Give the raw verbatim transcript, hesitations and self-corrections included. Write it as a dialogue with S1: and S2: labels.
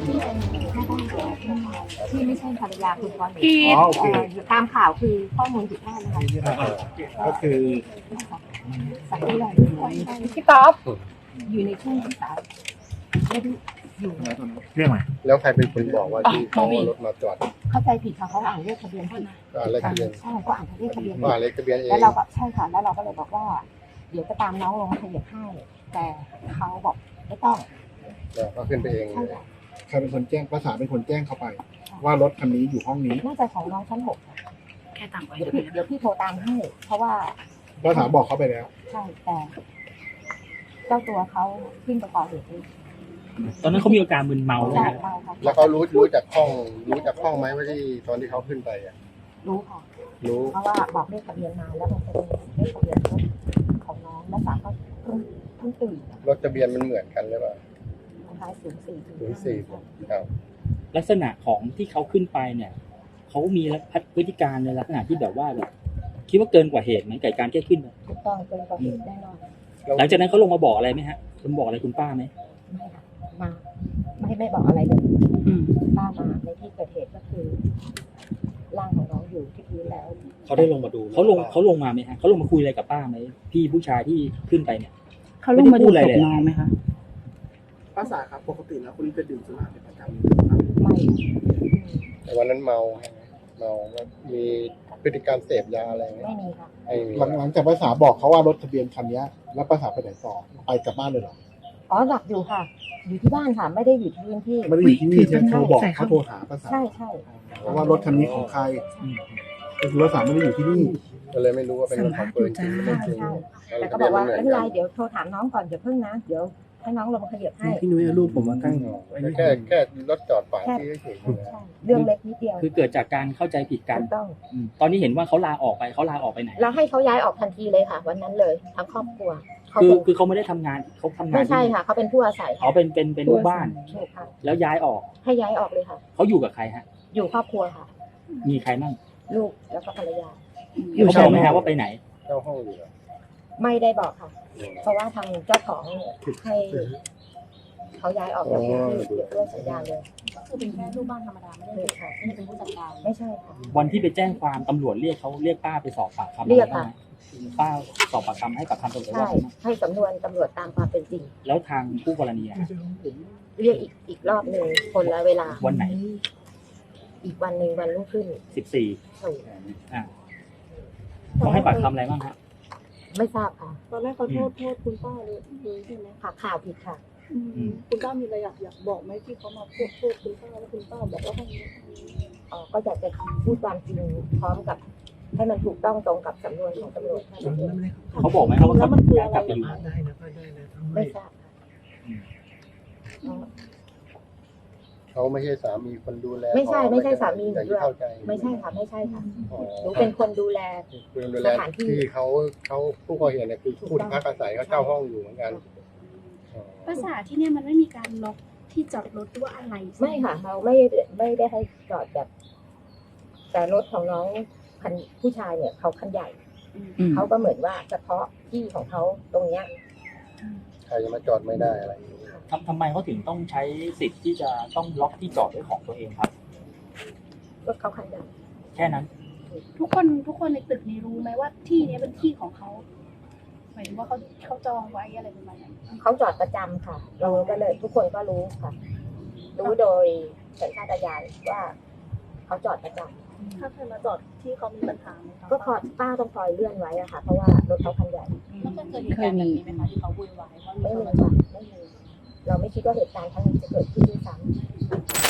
S1: ที่เป็นแม่บ้านที่ไม่ใช่ภรรยาคุณพร
S2: ที่
S3: อ๋อโอเค
S1: ตามข่าวคือข้อมูลผิดพลาดนะคะ
S3: ก็คือ
S1: สักที่เรา
S2: พี่ต๊อบ
S1: อยู่ในช่วงที่สามไม่ได้อยู่
S3: เรื่องอะไร
S4: แล้วใครเป็นคนบอกว่าที่เขาเอารถมาจอด
S1: เข้าใจผิดค่ะเขาอ่านเลขทะเบียนที่
S4: ก็อะไรทะเบียน
S1: ใช่ก็อ่านเลขทะเบียน
S4: ก็อะไรทะเบียนเอง
S1: แล้วเราก็ใช่ค่ะแล้วเราก็เลยบอกว่า เดี๋ยวจะตามน้องลงมาขยับให้ แต่เขาบอกไม่ต้อง
S4: แล้วก็ขึ้นไปเอง
S1: ใช่ค่ะ
S3: ใครเป็นคนแจ้งภาษาเป็นคนแจ้งเขาไป ว่ารถคันนี้อยู่ห้องนี้
S1: น่าจะของน้องชั้นหก
S2: แค่ต่างไว้
S1: เดี๋ยวพี่เดี๋ยวพี่โทรตามให้ เพราะว่า
S3: ภาษาบอกเขาไปแล้ว
S1: ใช่แต่เจ้าตัวเขาขึ้นไปก่อเหตุเอง
S5: ตอนนั้นเขามีอาการมึนเมาใช่
S1: ใช่
S5: ไหม
S1: เมาค่ะ
S4: แล้วเขารู้รู้จากห้องรู้จากห้องไหมว่าที่ตอนที่เขาขึ้นไปอ่ะ
S1: รู้ค่ะ
S4: รู้
S1: เพราะว่าบอกเลขทะเบียนมาแล้วมันจะเป็นเลขทะเบียนรถของน้องแล้วสามก็เพิ่งเพิ่งตื่น
S4: รถทะเบียนมันเหมือนกันหรือเปล่า
S1: ท้ายศูนย์สี่
S4: ศูนย์สี่ครับ
S5: ลักษณะของที่เขาขึ้นไปเนี่ยเขามีพฤติการในลักษณะที่แบบว่าแบบคิดว่าเกินกว่าเหตุไหมกับการแค่ขึ้นไป
S1: ถูกต้องเกินกว่าเหตุแน่นอน
S5: หลังจากนั้นเขาลงมาบอกอะไรไหมฮะคุณบอกอะไรคุณป้าไหม
S1: ไม่ค่ะมาไม่ไม่บอกอะไรเลย
S5: อืม
S1: ป้ามาในที่เกิดเหตุก็คือร่างของน้องอยู่ที่พื้นแล้ว
S6: เขาได้ลงมาดู
S5: เขาลงเขาลงมาไหมฮะเขาลงมาคุยอะไรกับป้าไหมพี่ผู้ชายที่ขึ้นไปเนี่ย
S2: เขาลงมาดูศพน้องไหมคะ
S7: ภาษาครับปกติแล้วคนนี้จะดื่มสุราเป็นประจำครับ
S1: ไม่
S4: แต่วันนั้นเมาใช่ไหมเมาแล้วมีพฤติกรรมเสพยาอะไรไหม
S1: ไม่มีค่ะ
S4: ไม่มี
S3: หลังหลังจากภาษาบอกเขาว่ารถทะเบียนคันนี้แล้วภาษาไปไหนต่อไปกลับบ้านเลยเหรอ
S1: อ๋อหลับอยู่ค่ะ อยู่ที่บ้านค่ะ ไม่ได้อยู่ที่พื้นที่
S3: ไม่ได้อยู่ที่นี่ใช่ไหมโทรบอกเขาโทรหาภาษา
S1: ใช่ใช่
S3: ว่ารถคันนี้ของใครก็คือภาษาไม่ได้อยู่ที่นี่
S4: ก็เลยไม่รู้ว่าเป็นรถของปืนจริงหรือไม่
S1: ใช่
S4: จริง
S1: ใช่
S4: แล้
S1: แต่
S4: ว
S1: ก็
S4: ทะ
S1: บ
S4: เบี
S1: อย ก
S4: นมัน
S1: ว่า
S4: เหมือน
S1: ไม่เป็นไร
S4: กัน
S1: เดี๋ยวโทรถามน้องก่อนอย่าเพิ่งนะ เดี๋ยวให้น้องลงมาขยับให้
S6: พี่นุ้ยเอารูปผมมาตั้ง
S4: แค่แค่รถจอดฝาที่เฉยๆ
S1: ใช่ใช่เรื่องเล็กนิดเดียว
S5: คือเกิดจากการเข้าใจผิดกัน
S1: ถูกต้อง
S5: อืมตอนนี้เห็นว่าเขาลาออกไปเขาลาออกไปไหน
S1: เราให้เขาย้ายออกทันทีเลยค่ะ วันนั้นเลยทั้งครอบครัวเขา
S5: คือ
S1: เป็น
S5: คือเขาไม่ได้ทำงานเขาทำงาน
S1: ไม่ใช่
S5: ที่
S1: ค่ะเขาเป็นผู้อาศัย
S5: เขาเป็นเป็นเป็นลูกบ้าน
S1: ถูกค่ะ
S5: แล้วย้ายออก
S1: ให้ย้ายออกเลยค่ะ
S5: เขาอยู่กับใครฮะ
S1: อยู่ครอบครัวค่ะ
S5: มีใครมั่ง
S1: ลูกแล้วก็ภรรยา
S5: เขาบอกไหมฮะว่าไปไหน
S4: เช่าห้องอยู่เหรอ
S1: ไม่ได้บอกค่ะ เพราะว่าทางเจ้าของให้เขาย้ายออกจากพื้นที่เดี๋ยวด้วยสัญญาเลย
S2: ก็คือเป็นแค่ลูกบ้านธรรมดาไม่ได้
S1: ถูกค่ะ
S2: ไม่ได้เป็นผู้จัดการ
S1: ไม่ใช่ค่ะ
S5: วันที่ไปแจ้งความตำรวจเรียกเขาเรียกป้าไปสอบปากคำ
S1: เรียกค่ะ
S5: ป้าสอบปากคำให้กับทางตำรวจ
S1: ใช่
S5: ว่าไงบ้าง
S1: ให้สำนวนตำรวจตามความเป็นจริง
S5: แล้วทางผู้กรณีอะ
S1: เรียกอีกอีกรอบหนึ่งคนละเวลา
S5: วันไหน
S1: อีกวันหนึ่งวันรุ่งขึ้น
S5: สิบสี่
S1: ถูก
S5: อ่าเขาให้ปากคำอะไรบ้างฮะ
S1: ไม่ทราบค่ะ
S8: ตอนแรกเขาโทษโทษคุณป้าเลยเลยใช่ไหม
S1: ค่ะข่าวผิดค่ะ
S8: อืมคุณป้ามีอะไรอยากอยากบอกไหมที่เขามาพูดโทษคุณป้าแล้วคุณป้าบอกว่าให้
S1: อ๋อก็อยากจะพูดความจริงพร้อมกับ ให้มันถูกต้องตรงกับสำนวนของตำรวจค่ะ
S5: เขาบอกไหมครับว่า
S8: แล้
S5: เขา
S8: วมันคือ
S5: ย้าย
S8: อะไร
S5: กลับไปอยู่
S1: ไม่ทราบค่ะอ๋อ
S4: เขาไม่ใช่สามีคนดูแล
S1: ไม่ใช่ไม่ใช่สามีหนู
S4: อย่าง
S1: ด้
S4: ที่
S1: วย
S4: เข้าใจ
S1: ไม่ใช่ค่ะไม่ใช่ค่ะ
S4: อ๋อ
S1: หนูเป็นคนดูแล
S4: คุณดูแล
S1: สถานที่
S4: ที่เขาเขาผู้ก่อเหตุเนี่ยคือผู้ที่พักอาศัยเขาเช่าห้องอยู่เหมือนกันอ๋อ
S2: ภาษาที่เนี่ยมันไม่มีการล็อกที่จอดรถหรือว่าอะไรใช่ห
S1: ไม่ค่ะ เราไม่ไม่ได้ให้จอดแบบ แต่รถของน้องคันผู้ชายเนี่ยเขาคันใหญ่
S2: อืม
S1: เขาก็เหมือนว่าเฉพาะที่ของเขาตรงเนี้ย
S4: ใครจะมาจอดไม่ได้อะไรอย่างนี้
S5: ทำทำไมเขาถึงต้องใช้สิทธิ์ที่จะต้องล็อกที่จอดด้วยของตัวเองครับ
S1: รถเขาคันใหญ่
S5: แค่นั้น
S2: ทุกคนทุกคนในตึกนี้รู้ไหมว่าที่เนี้ยเป็นที่ของเขาหมายถึงว่าเขาเขาจองไว้อะไรประมาณนั้น
S1: เขาจอดประจำค่ะ เราก็เลย ทุกคนก็รู้ค่ะ รู้โดยสัญชาตญาณว่าเขาจอดประจำ
S8: ถ้าใครมาจอดที่เขามีปัญหาไหมคะ
S1: ก็คอยป้าต้องคอยเลื่อนไว้อะค่ะ เพราะว่ารถเขาคันใหญ่
S2: แล้วเคยเกิดเหตุการณ์นี้ไหมคะที่เขาวุ่นวายว่ามี
S1: ไม่
S2: คน
S1: มี
S2: มาจอ
S1: ค่ะ
S2: ด
S1: ไม่มีเราไม่คิดว่าเหตุการณ์ครั้งนี้จะเกิดขึ้นด้วยซ้ำ